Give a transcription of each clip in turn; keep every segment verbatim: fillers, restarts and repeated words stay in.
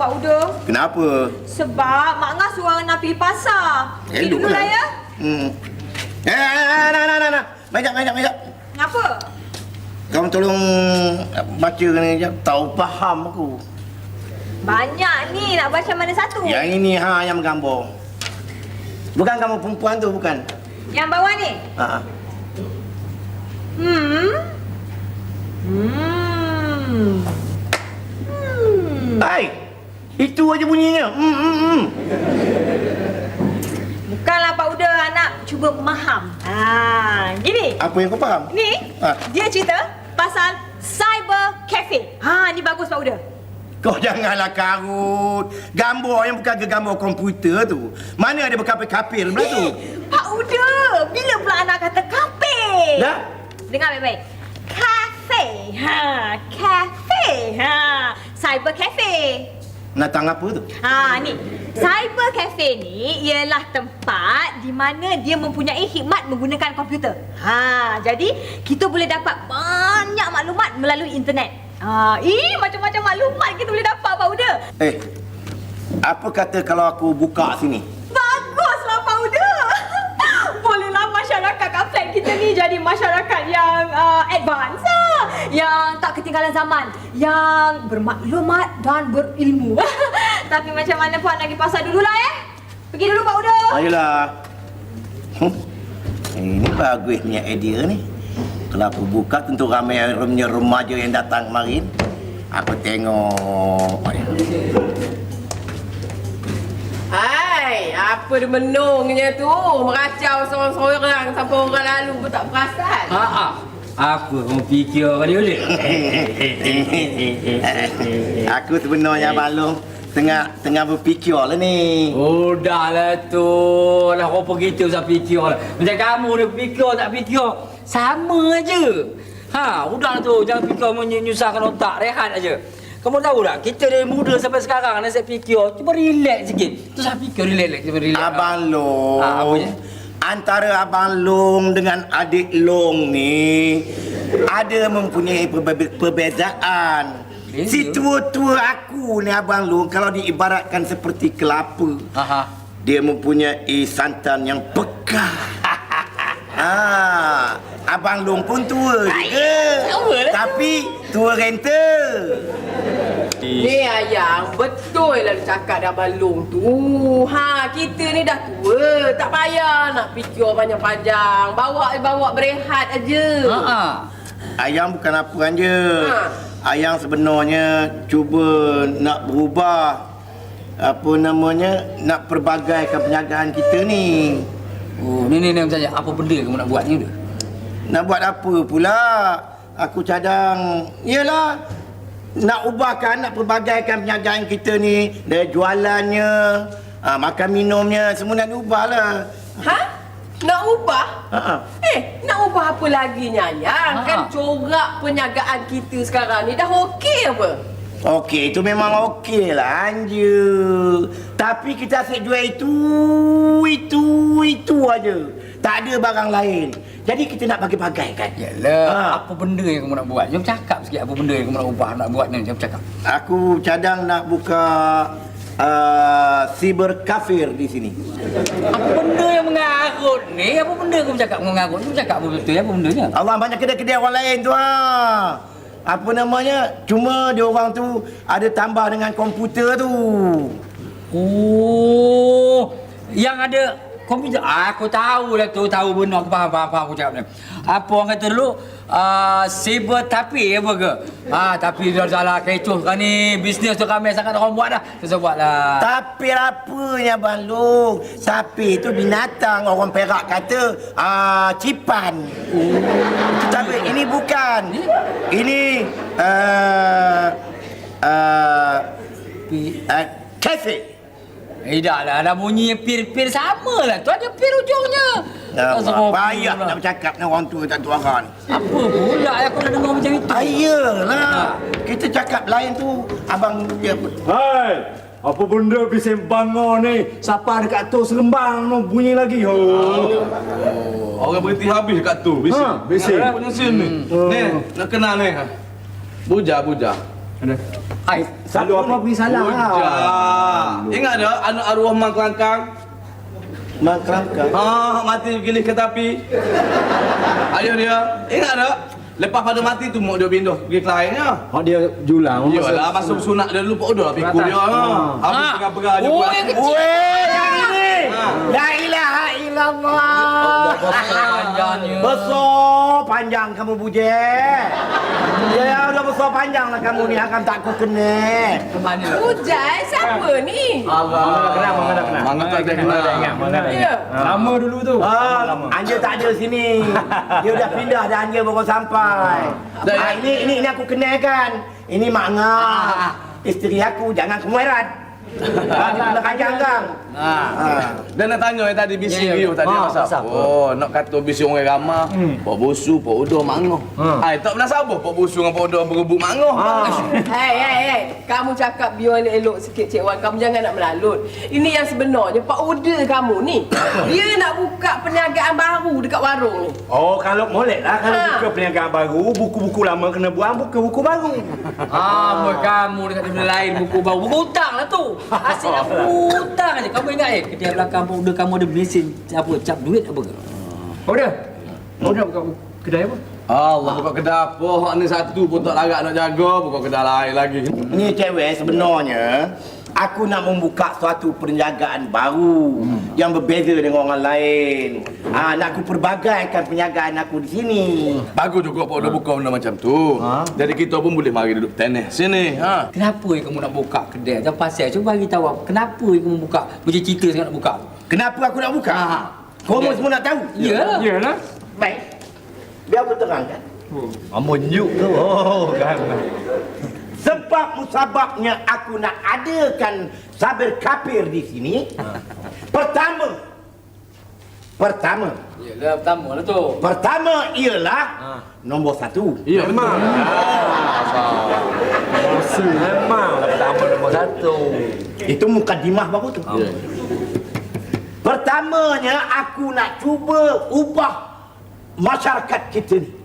Pak Uda. Kenapa? Sebab Mak Ngah suruh nak pergi pasar. Pergi dulu lah ya. Hmm. Eh, nah, nah, nah, nah. Majak, majak, majak. Kenapa? Kamu tolong baca ni je. Tahu faham aku. Banyak ni, nak baca mana satu? Yang ini ha yang menggambar. Bukan kamu perempuan tu, bukan? Yang bawah ni? Ha. Hmm. Hmm. Hmm. Hai. Itu aja bunyinya. Hmm, hmm, hmm. Bukanlah Pak Uda, anak cuba memaham. Ha, gini. Apa yang kau faham? Ni, Ha. dia cerita pasal cyber cafe. Ha, ni bagus Pak Uda. Kau janganlah karut. Gambar yang bukan ke gambar komputer tu. Mana ada berkapir-kapir belah tu? Eh, Pak Uda, bila pula anak kata kafe? Dah? Dengar baik-baik. Cafe. Ha, cafe. Ha, cyber cafe. Natang apa tu? Ha, ni. Cyber cafe ni ialah tempat di mana dia mempunyai khidmat menggunakan komputer. Ha, jadi kita boleh dapat banyak maklumat melalui internet. Ha, ih, macam-macam maklumat kita boleh dapat, Pak Uda. Eh, apa kata kalau aku buka sini? Baguslah, Pak Uda. Bolehlah masyarakat kat kita ni jadi masyarakat yang uh, advance lah. Yang tak ketinggalan zaman. Yang bermaklumat dan berilmu. Tapi macam mana puan nak pergi pasar dululah eh? Pergi dulu Pak Uda. Ayolah. Hmm. Ini bagusnya idea ni. Kalau aku buka tentu ramai punya remaja yang datang kemarin. Aku tengok. Hai, apa dia menungnya tu? Meracau seorang-seorang sampai orang lalu pun tak perasan. Ha ah. Aku mau fikir kali boleh. Aku sebenarnya Balong tengah tengah berfikir lah ni. Oh dah lah tu. Lah kau begitu saya fikir lah. Macam kamu ni fikir tak fikir. Sama aja. Ha, udahlah tu. Jangan fikir menyusahkan otak. Rehat aja. Kamu tahu tak, kita dari muda sampai sekarang ni saya fikir, cuba relax sikit. Tu saya fikir relax, cuba relax. Abang Long. Ha, apanya? Antara Abang Long dengan adik Long ni ada mempunyai perbe- perbezaan. Beza? Si tua-tua aku ni Abang Long kalau diibaratkan seperti kelapa. Aha. Dia mempunyai santan yang pekat. Ah, Abang Long pun tua juga. Tapi tua renta. Ni ayang, betul lah cakap dah balung tu. Ha, kita ni dah tua, tak payah nak fikir panjang-panjang. Bawa bawa berehat aja. Ha ah. Ayang bukan apa je. Ha. Ayang sebenarnya cuba nak berubah apa namanya, nak perbagaikan perniagaan kita ni. Oh, ni ni ni saya apa benda kamu nak buat ni tu? Nak buat apa pula? Aku cadang, iyalah nak ubahkan, nak perbagaikan perniagaan kita ni. Dari jualannya, ha, makan minumnya, semua nak diubahlah. Ha? Nak ubah? Ha. Eh, nak ubah apa lagi Nyayang? Ha. Kan corak perniagaan kita sekarang ni dah okey apa? Okey, itu memang okey lah Anja. Tapi kita asyik jual itu, itu, itu aja. Tak ada barang lain. Jadi kita nak bagi-bagaikan. Yalah, Ha. apa benda yang kamu nak buat? Jom cakap sikit apa benda yang kamu nak ubah, nak buat ni. Jom cakap. Aku cadang nak buka uh, cyber kafir di sini. Apa benda yang mengarut ni? Apa benda kamu cakap mengarut? Kamu cakap apa betul? Apa bendanya? Allah, banyak kedai-kedai orang lain tu ha. Apa namanya? Cuma dia orang tu ada tambah dengan komputer tu. Oh, yang ada komputer. Ah, aku tahu lah tu, tahu benar. Aku faham, faham, faham aku cakap ni. Apa orang kata dulu, uh, cyber tapi apa ke? Ah, tapi dah salah kecoh kan ni. Bisnes tu ramai sangat orang buat dah. Saya buat lah. Tapi apanya Bang Long? Tapi itu binatang, orang Perak kata uh, cipan. Oh. Tapi ini bukan. Ini uh, uh, uh, cafe. Eh dah lah, dah bunyi pir-pir sama lah. Tu ada pir ujungnya. Ya, Tak serok payah pula. nak bercakap dengan orang tua tak tua kan. Apa pula aku dah dengar macam itu? Ayolah. Kita cakap lain tu abang dia. Hai, apa benda bising bangun ni? Siapa dekat tu serembang no bunyi lagi. Ho. Oh, orang berhenti habis kat tu, bising. Ha, bising. Nak punya sini. Hmm. Ni, nak kenal ni. Buja, buja. Ada. Hai, Satu orang pergi salah. Ujah. Ingat tak anak arwah Mang Kelangkang? Mang Kelangkang. Ha, mati gilih ke tepi. Ayah dia. Ingat tak? Lepas pada mati tu mak dia pindah pergi ke lainnya. Hak dia julang. Iyalah masuk sunat dia dulu Pak Udah pikul dia. Ha. Habis Ha. tengah-tengah dia Oh, buat. yang kecil. Weh, yang ini. La ilaha illallah. Panjangnya. Besar panjang kamu buje. Ya udah besar panjang lah kamu ni, akan tak ku kena. Ke mana? Ujai, siapa ni? Mana kenal, mana dah kenal. Mang tak ada kenal. Mana dah Ya. ingat. Lama dulu tu. Ah, Anja tak ada sini. Dia dah pindah dah, Anja baru sampai. Ah, ini ini ini aku kenalkan. Ini Mak Ngah. Isteri aku, jangan kemueran. Ah, dia kena kajang kang. Ah. Dan nak tanya yang tadi bising Ya, ya, you ya. tadi Ha, pasal. pasal apa? Oh, nak kata bising orang ramah. Pak Bosu, Pak Udah, Mak Ngoh. Ai, tak pernah sabar Pak Bosu dengan Pak Udah berebut Mak Ngoh. Hei, hei, hei. Kamu cakap biar elok-elok sikit, Cik Wan. Kamu jangan nak melalut. Ini yang sebenarnya, Pak Uda kamu ni. Dia nak buka perniagaan baru dekat warung ni. Oh, kalau molek lah. Kalau Ha. buka perniagaan baru, buku-buku lama kena buang, buka buku baru. Ah, buat kamu dekat benda lain buku baru. Buku hutang lah tu. Asyik nak hutang aja. Kamu ingat eh kedai belakang Pak Uda kamu ada mesin apa cap duit apa ke? Pak Uda. Pak Uda buka kedai apa? Allah, buka kedai apa? Hak ni satu pun tak larat nak jaga, buka kedai lain lagi. Ni cewek sebenarnya aku nak membuka suatu perniagaan baru yang berbeza dengan orang lain. Ah, nak aku perbagaikan perniagaan aku di sini. Bagus juga Pak Udah buka benda macam tu. Jadi kita pun boleh mari duduk tenis sini. Ha. Kenapa eh kamu nak buka kedai? Jangan pasal. Cuba bagi tahu aku. Kenapa eh kamu buka? Macam cerita sangat nak buka. Kenapa aku nak buka? Ha. Kamu Okey. semua nak tahu? Ya. Yalah. Baik. Biar aku terangkan. Amun yuk tu. Oh, kan. Sebab musababnya aku nak adakan sabir kapir di sini. Pertama. Pertama. Yalah, pertama lah tu. Pertama ialah nombor satu. Ya, memang. Bosu memang lah pertama nombor satu. Itu mukadimah baru tu. Pertamanya aku nak cuba ubah masyarakat kita ni.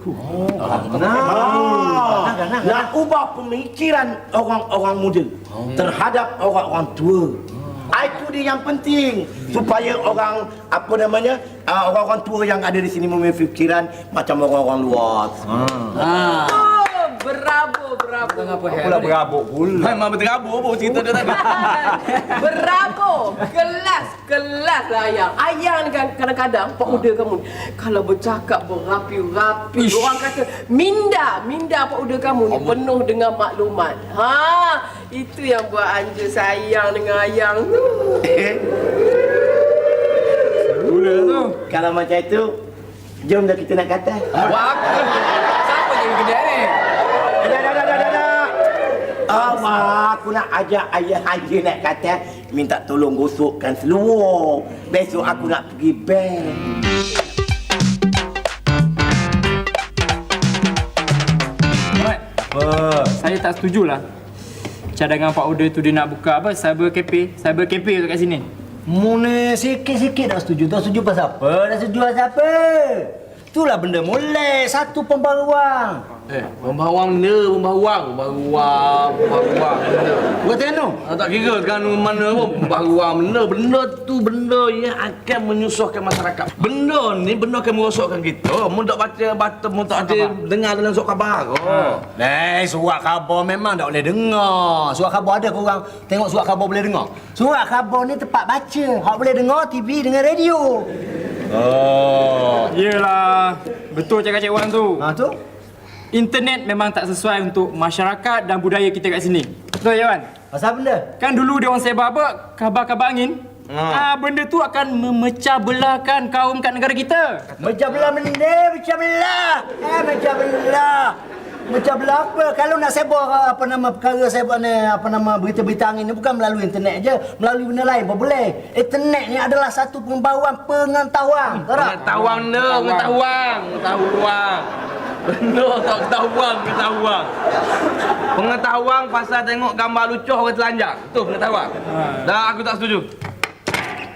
Ah, nak ubah pemikiran orang-orang muda terhadap orang-orang tua. Ah, itu dia yang penting supaya orang apa namanya ah, orang-orang tua yang ada di sini memiliki fikiran macam orang-orang luar. Ah. Oh, berabo, berabo. Apa Pula berabuk pula. Memang berterabur pun cerita dia tadi. Berabo. Kelas, kelas lah Ayang. Ayang ni kan kadang-kadang, Pak Uda kamu ni, kalau bercakap berapi-rapi, Ish. orang kata minda, minda Pak Uda kamu ni penuh dengan maklumat. Ha, itu yang buat Anja sayang dengan Ayang tu. Pula tu. Kalau macam itu, jom dah kita nak kata. Wah. Siapa jadi kedai ni? Dah, dah, dah, dah, dah, dah. Allah, aku nak ajak ayah Haji nak kata minta tolong gosokkan seluar. Besok aku nak pergi bank. Apa? Saya tak setujulah. Cadangan Pak Uda tu dia nak buka apa? Cyber cafe, cyber cafe tu kat sini. Mune sikit-sikit tak setuju. Tak setuju pasal apa? Tak setuju pasal apa? Itulah benda molek. Satu pembaruan. Eh, pembawang benda, pembawang, pembawang, pembawang benda. Buat tengok. Ah, tak kira kan mana pun pembawang benda. Benda tu benda yang akan menyusahkan masyarakat. Benda ni benda akan merosakkan kita. Mu tak baca baca, mu tak ada dengar dalam surat khabar. Oh. Eh, surat khabar memang tak boleh dengar. Surat khabar ada korang tengok surat khabar boleh dengar. Surat khabar ni tempat baca. Hak boleh dengar T V dengan radio. Oh. Yelah. Betul cakap Cik Wan tu. Ha tu? Internet memang tak sesuai untuk masyarakat dan budaya kita kat sini. Betul Cik Wan? Pasal benda? Kan dulu dia orang sebar apa? Khabar-khabar angin. Ah, benda tu akan memecah belahkan kaum kat negara kita. Mecah belah benda, mecah belah. Eh, mecah belah. Mecah belah apa? Kalau nak sebar apa nama perkara sebar ni, apa nama berita-berita angin ni bukan melalui internet je, melalui benda lain pun boleh. Internet ni adalah satu pembawaan pengetahuan. Tahu tak? Pengetahuan dia, pengetahuan, pengetahuan. Benda tak ketahuan, pengetahuan. Pengetahuan pasal tengok gambar lucu orang telanjang. Tu pengetahuan. Dah aku tak setuju.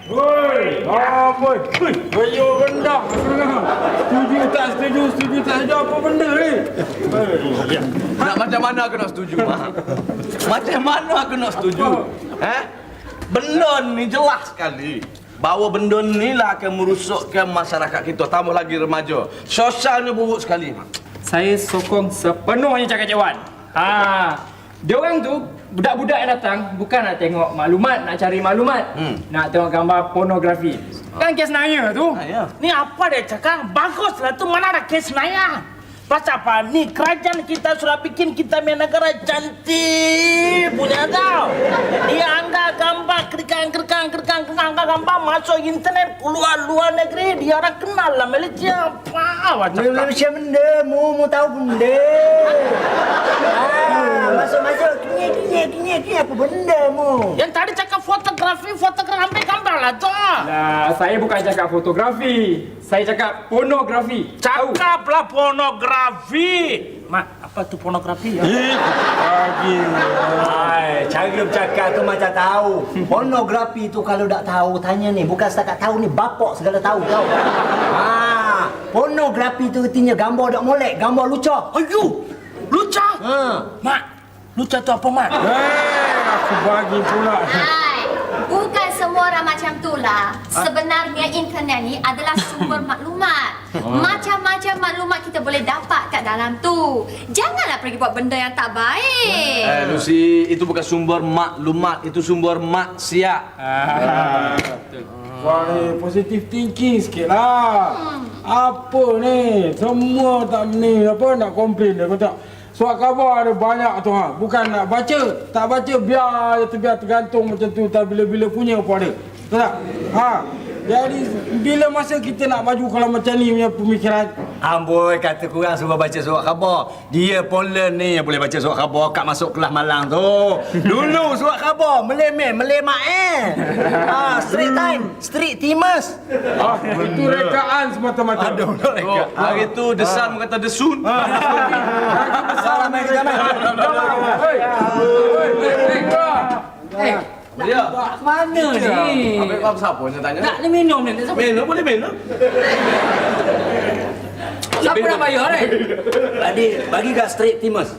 Woi, amboi. Hui, bayo rendah. Setuju tak setuju, setuju tak setuju apa benda ni? Nak macam mana aku nak setuju, Mak? Macam mana aku nak setuju? Eh? Benda ni jelas sekali. Bahawa benda ni lah akan merosakkan masyarakat kita, tambah lagi remaja. Sosialnya buruk sekali, Mak. Saya sokong sepenuhnya cakap Cik Wan. Ha, diorang tu budak-budak yang datang bukan nak tengok maklumat, nak cari maklumat, Hmm. nak tengok gambar pornografi. Kan kes naya tu. Ha, ya. Ni apa dia cakap? Baguslah tu, mana ada kes naya. Pasal apa? Ni kerajaan kita sudah bikin kita punya negara cantik punya tau. Dia angkat gambar kerikang kerikang kerikang kerikang gambar masuk internet keluar luar negeri, dia orang kenal lah Malaysia. Apa macam Mula macam benda, mu mu tahu benda. Ah, masuk masuk kini kini kini kini apa benda mu? yang tadi cakap fotografi, fotografi ambil gambar lah tu. Nah, saya bukan cakap fotografi. Saya cakap pornografi. Tahu? Cakaplah pornografi. Mak, apa tu pornografi ya? Bagi. Ai, cara bercakap tu macam tahu. Pornografi tu kalau tak tahu tanya ni, bukan setakat tahu ni, bapak segala tahu tahu. Ah, pornografi tu artinya gambar dak molek, gambar lucah. Ayu, luca. Ha. Mak, luca tu apa mak? Eh, aku bagi pula. Hai, bukan semua orang macam tu lah. Sebenarnya internet ni adalah sumber maklumat. Macam-macam maklumat kita boleh dapat kat dalam tu. Janganlah pergi buat benda yang tak baik. Eh, Lucy, itu bukan sumber maklumat, itu sumber maksiat. Wah ni positive thinking sikit lah. Apa ni? Semua tak ni apa nak komplain dia kata. Surat khabar ada banyak tu ha. Bukan nak baca. Tak baca biar je biar tergantung macam tu. Tak bila-bila punya pun ada. Betul tak? Ha. Jadi bila masa kita nak maju kalau macam ni punya pemikiran. Amboi, kata kurang suruh baca surat khabar. Dia pun learn ni yang boleh baca surat khabar kat masuk kelas malang tu. Dulu surat khabar melemeh, melemak eh. Ah, street time, street timers. Ah, itu rekaan semata-mata. Aduh, Oh, hari tu desan berkata desun. Salam mai kita mai. Hei. Hei, hei. Ya. Mana ni? Ambil apa siapa yang tanya? Nak ni minum ni. Siapa Minum boleh minum. siapa nak bayar ni? Bagi bagi kat street timers.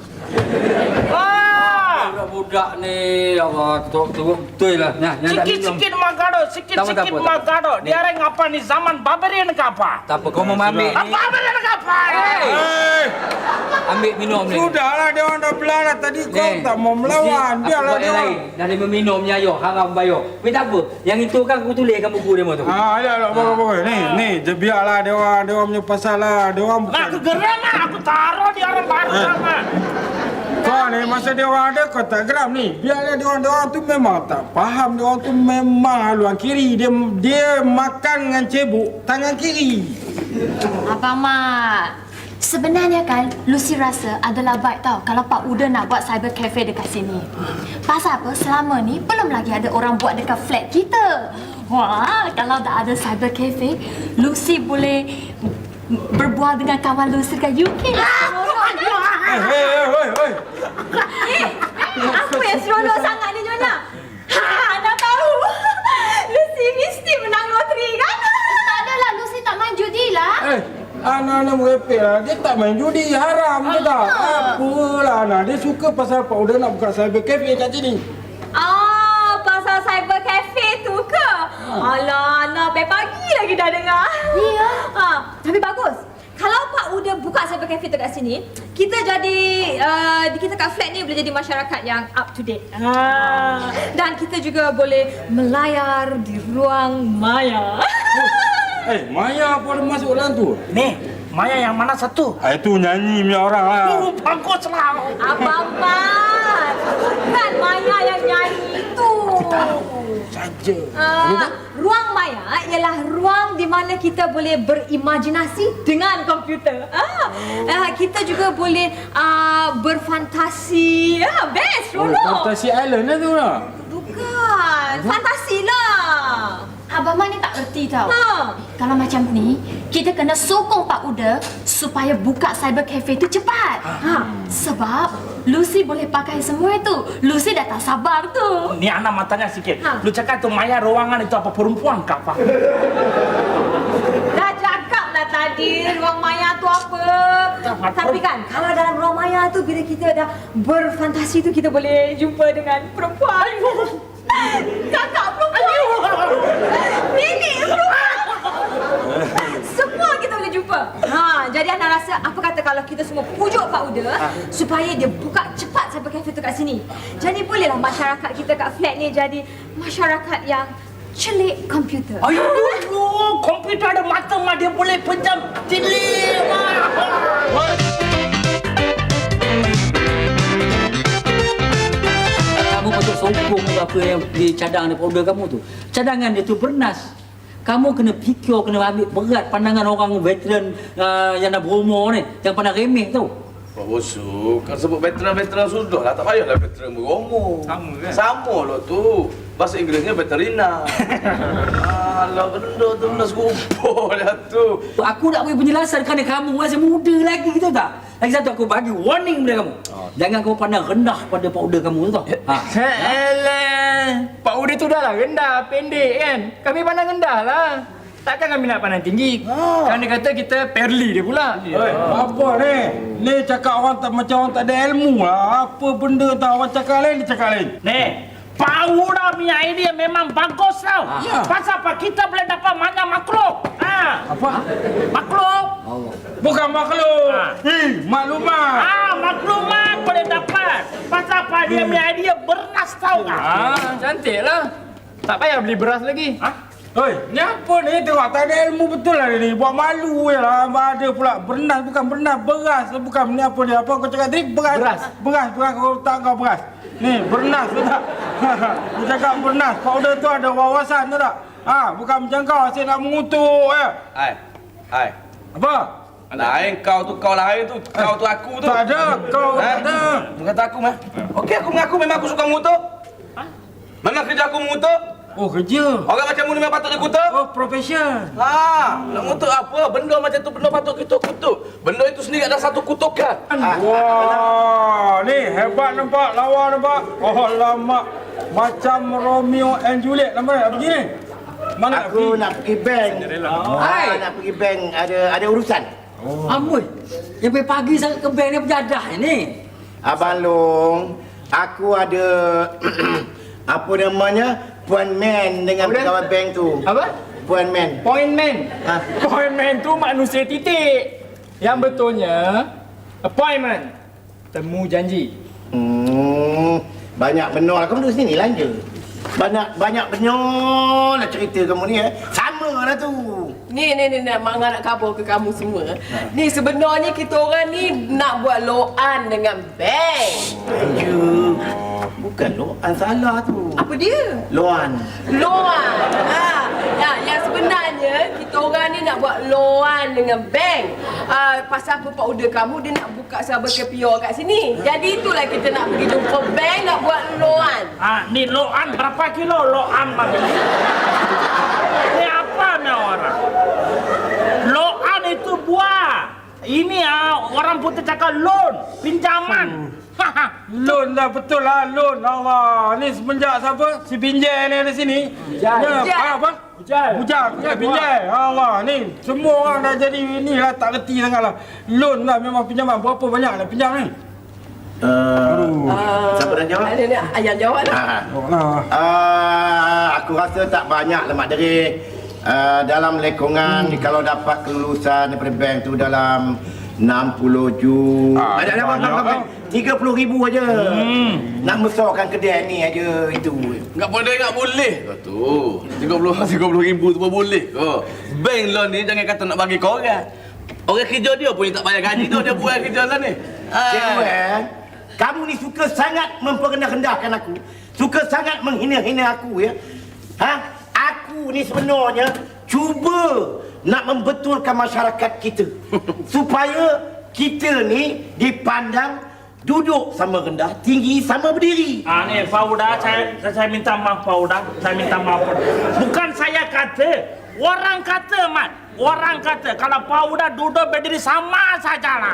Ah, Budak-budak ni, Allah, tu tu betul lah. Nah, yang nak minum. sikit-sikit magado, Tak sikit-sikit apa, tak apa, tak apa. magado. Dia orang apa ni zaman barbarian ke apa? Tak apa, kau mau ambil ni. Apa barbarian ke apa? Hei. Ambil minum ni. Sudahlah dia orang dah belah dah tadi kau Ni, tak mau melawan. mesti Biarlah aku buat dia yang orang. lain. Dah dia meminum ni ayo, haram bayar. Tapi tak apa. Yang itu kan aku tuliskan buku dia tu. Ah, ya lah, bagus bagus. Ni, ni, je biarlah dia orang, dia orang punya pasal lah. Dia orang Nak bukan. aku geram lah, aku taruh di orang baru sama. Kau ni masa dia orang ada kau tak geram ni. Biarlah dia orang, dia orang tu memang tak faham. Dia orang tu memang haluan kiri. Dia dia makan dengan cebok tangan kiri. Abang Mat, sebenarnya kan Lucy rasa adalah baik tau kalau Pak Uda nak buat cyber cafe dekat sini. Pasal apa? Selama ni belum lagi ada orang buat dekat flat kita. Wah, kalau dah ada cyber cafe, Lucy boleh berbual dengan kawan Lucy dekat U K. Eh, hei, hei, hei, hei. Eh, apa yang seronok sangat ni Jona? Ha, dah tahu. Lucy mesti menang loteri kan? Tak adalah, Lucy tak main judi lah. Eh, anak-anak merepek lah. Dia tak main judi, haram ke tak? Apalah anak. Dia suka pasal Pak Uda nak buka cyber cafe kat sini. Ah, pasal cyber cafe tu ke? Alah, nak sampai pagi lagi dah dengar. Ya. Ha, tapi bagus. Kalau Pak Uda buka cyber cafe tu kat sini, kita jadi uh, kita kat flat ni boleh jadi masyarakat yang up to date. Ha. Dan kita juga boleh melayar di ruang maya. Eh, Maya apa ada masuk dalam tu? Nih, Maya yang mana satu? Ah, itu nyanyi punya orang lah. Oh, baguslah. Abang Mat, bukan Maya yang nyanyi itu. Saja. Uh, ruang maya ialah ruang di mana kita boleh berimajinasi dengan komputer. Ah, uh, kita juga boleh uh, berfantasi. Ah, best, Oh, seronok. Fantasy Island lah tu lah. Bukan, fantasi lah. Abang Mat ni tak erti tau. Ha. Kalau macam ni, kita kena sokong Pak Uda supaya buka cyber cafe tu cepat. Ha. Sebab Lucy boleh pakai semua itu. Lucy dah tak sabar tu. Ni anak matanya sikit. Ha. Lu cakap tu Maya ruangan itu apa perempuan kah apa? Dah cakap lah tadi ruang maya tu apa. Tapi kan kalau dalam ruang maya tu bila kita dah berfantasi tu kita boleh jumpa dengan perempuan. Kakak perempuan. Nenek perempuan. Semua kita boleh jumpa. Ha, jadi anak rasa apa kata kalau kita semua pujuk Pak Uda supaya dia buka cepat cyber cafe tu kat sini. Jadi bolehlah masyarakat kita kat flat ni jadi masyarakat yang celik komputer. Ayo, komputer ada mata mah dia boleh pejam celik mah. Kamu patut sokong apa yang dicadang daripada order kamu tu. Cadangan dia tu bernas. Kamu kena fikir, kena ambil berat pandangan orang veteran uh, yang dah berumur ni, yang pandang remeh tu. Pak Bosu, kan sebut veteran-veteran sudah lah, tak payahlah veteran berumur. Sama kan? Sama lah tu. Bahasa Inggerisnya veterina. Alah, benda tu benda serupa lah tu. Aku nak beri penjelasan kerana kamu masih muda lagi, tahu tak? Lagi satu aku bagi warning pada kamu. Oh. Jangan kamu pandang rendah pada Pak Uda kamu tu tau. Ha. Alah, Pak Uda tu dah lah rendah, pendek kan. Kami pandang rendah lah. Takkan kami nak pandang tinggi. Ha. Kan dia kata kita perli dia pula. Oi, apa ni? Ni cakap orang tak macam orang tak ada ilmu lah. Apa benda tak orang cakap lain, dia cakap lain. Nih, Pak Uda punya idea memang bagus tau. Ya. Pasal apa kita boleh dapat mana makhluk? Ah, Apa? makhluk. Bukan makhluk. Ha. Eh, maklumat. Ah, maklumat boleh dapat. Pasal apa dia punya idea bernas tau kan? Ah, cantik lah. Tak payah beli beras lagi. Ah, Oi, ni apa ni? Tengok tak ada ilmu betul lah dia ni. Buat malu je lah. Ada pula bernas, bukan bernas, beras. Bukan ni apa ni? Apa kau cakap tadi? Beras. Beras. Beras, beras kau tak kau beras. Ni, bernas tu tak? Dia cakap bernas. Powder tu ada wawasan tu tak? Ha, bukan macam kau asyik nak mengutuk ya. Hai, hai. Apa? Lain kau tu, kau lain tu, kau tu aku tu. Tak ada, kau Ha? tak ada. Kata aku mah. Okey, aku mengaku memang aku suka mengutuk. Memang kerja aku mengutuk. Oh, kerja. Orang macam mu ni memang patut dikutuk. Oh, profession. Ha, nak mengutuk apa? Benda macam tu benda patut kita kutuk. Benda itu sendiri ada satu kutukan. Wah, ni hebat nampak, lawa nampak. Oh, lama. Macam Romeo and Juliet nampak tak begini? Mana nak Aku pergi? nak pergi bank. Ah, nak pergi bank ada ada urusan. Oh. Amboi. Yang pergi pagi sangat ke bank ni berjadah ni. Abang Long, aku ada apa namanya? Puan Man dengan Apa dia? pegawai bank tu. Apa? Puan Man. Point man. Ha? Point man tu manusia titik. Yang betulnya appointment. Temu janji. Hmm, banyak benar lah. Kamu duduk sini lah je. Banyak banyak benar lah cerita kamu ni eh. Sama lah tu. Ni ni ni nak mak nak khabar ke kamu semua. Ni sebenarnya kita orang ni nak buat loan dengan bank. Ya. Bukan loan salah tu. Apa dia? Loan. Loan. Ha. Ya, yang sebenarnya kita orang ni nak buat loan dengan bank. Ah, pasal apa Pak Uda kamu dia nak buka cyber cafe kat sini. Jadi itulah kita nak pergi jumpa bank nak buat loan. ah, ni loan berapa kilo loan bang? Ni apa ni orang? Loan itu buah. Ini ah orang putih cakap loan, pinjaman. Haha. Loan lah, betul lah, loan. Allah, ni semenjak siapa? Si Binjai ni ada sini. Bujal. Ya, Bujal. ah, apa? Bujal. Bujal, Bujal, Binjai. Allah, ni semua orang dah jadi ni lah, tak reti sangat lah. Loan lah, memang pinjaman. Berapa banyak nak pinjam ni? Uh, siapa dah jawab? Ada ni ayah jawab lah. Ha. Oh, lah. Uh, aku rasa tak banyak lah Mak Derik. Uh, dalam lekongan hmm. kalau dapat kelulusan daripada bank tu dalam enam puluh juta. Ah, Ada apa banyak, apa? ah. tiga puluh ribu aja. Hmm. Nak besarkan kedai ni aja itu. Enggak boleh, enggak boleh. Kau tu. tiga puluh tiga puluh ribu tu pun boleh. Kau. Bank loan ni jangan kata nak bagi kau orang. Orang kerja dia pun tak bayar gaji tu dia buat kerja lah ni. Cik Wan, kamu ni suka sangat memperendah-rendahkan aku. Suka sangat menghina-hina aku ya. Ha? Aku ni sebenarnya cuba nak membetulkan masyarakat kita supaya kita ni dipandang duduk sama rendah, tinggi sama berdiri. Ah ni Pauda, saya saya minta maaf Pauda, saya minta maaf. Bukan saya kata, orang kata Mat. Orang kata kalau Pauda duduk berdiri sama sajalah.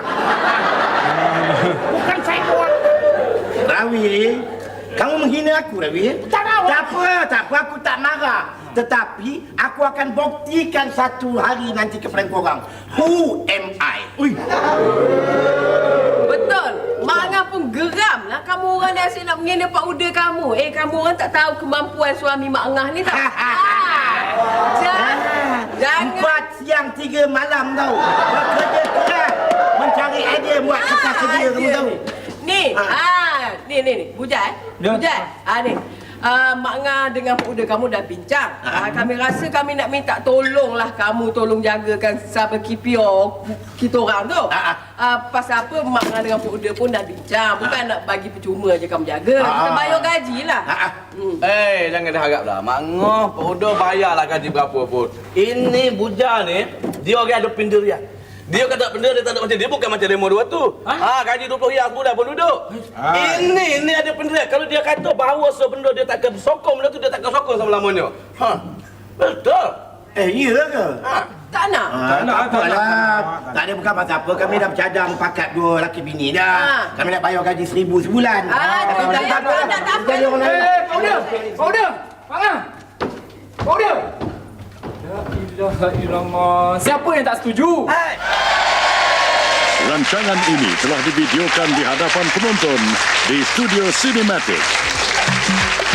Bukan saya orang. Rawi, kamu menghina aku, Rawi. Tak tahu. Tak apa, tak apa, aku tak marah. Tetapi aku akan buktikan satu hari nanti kepada korang. Who am I? Ui. Betul. Mak Angah pun geram lah kamu orang ni asyik nak menghina Pak Uda kamu. Eh, kamu orang tak tahu kemampuan suami Mak Angah ni tak? Ah, jangan. Jangan. Empat siang tiga malam tau. Bekerja keras mencari idea buat kertas sedia, kamu tahu. Ni, ah, ni ni ni, Bujat. Ya. Bujat. Ah ni. Uh, Mak Ngah dengan Pak Uda kamu dah bincang. Uh, kami rasa kami nak minta tolonglah kamu tolong jagakan sahabat K P O kita orang tu. Uh, uh, pasal apa Mak Ngah dengan Pak Uda pun dah bincang. Bukan uh, nak bagi percuma je kamu jaga. Uh, Kita bayar gaji lah. Uh, uh. Hmm. Eh, jangan diharap lah. Mak Ngoh, Pak Uda bayarlah gaji berapa pun. Ini bujar ni, dia orang ada pendirian. Dia kata benda dia tak ada macam dia, bukan macam demo dua tu. Ha, gaji dua puluh riyal sebulan pun duduk. Ha. Ini, ini ada pendirian. Kalau dia kata bahawa sebenda dia takkan sokong benda tu, dia takkan sokong selama-lamanya. Ha, betul. Eh, iya ke? Ha. Tak nak. Ah, Tak nak, tak tak apalah. nak. Tak ada bukan pasal apa. Kami dah bercadang pakat dua laki bini dah. Ah. Kami nak bayar gaji seribu sebulan. Ah, tak Kami payah, tak apa. tak nak, tak apa. Jadi orang lain. Eh, Pak Uda! Pak Uda! Pak Angah! Pak Uda! La ilaha illallah. Siapa yang tak setuju? Rancangan ini telah divideokan di hadapan penonton di Studio Cinematic.